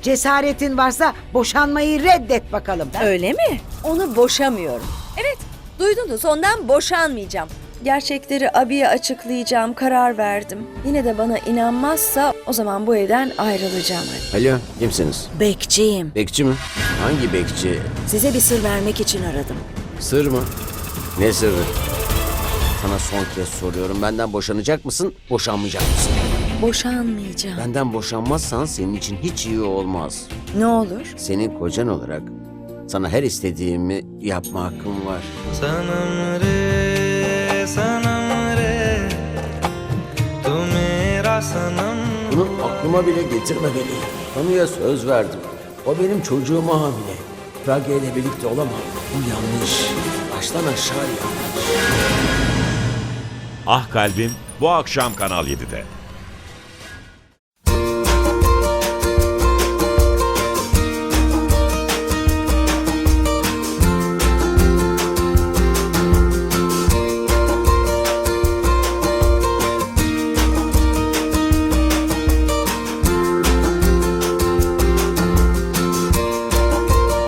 Cesaretin varsa boşanmayı reddet bakalım. Öyle mi? Onu boşamıyorum. Evet, duydunuz, ondan boşanmayacağım. Gerçekleri abiye açıklayacağım, karar verdim. Yine de bana inanmazsa o zaman bu evden ayrılacağım. Alo, kimsiniz? Bekçiyim. Bekçi mi? Hangi bekçi? Size bir sır vermek için aradım. Sır mı? Ne sırrı? Sana son kez soruyorum. Benden boşanacak mısın, boşanmayacak mısın? Boşanmayacağım. Benden boşanmazsan senin için hiç iyi olmaz. Ne olur? Senin kocan olarak sana her istediğimi yapma hakkım var. सनम रे तू मेरा सनम Bunu aklıma bile getirmemeliyim. Tanrı'ya söz verdim. O benim çocuğuma hamile. Pragya ile birlikte olamam. Bu yanlış. Baştan aşağı yanlış. Ah Kalbim bu akşam Kanal 7'de.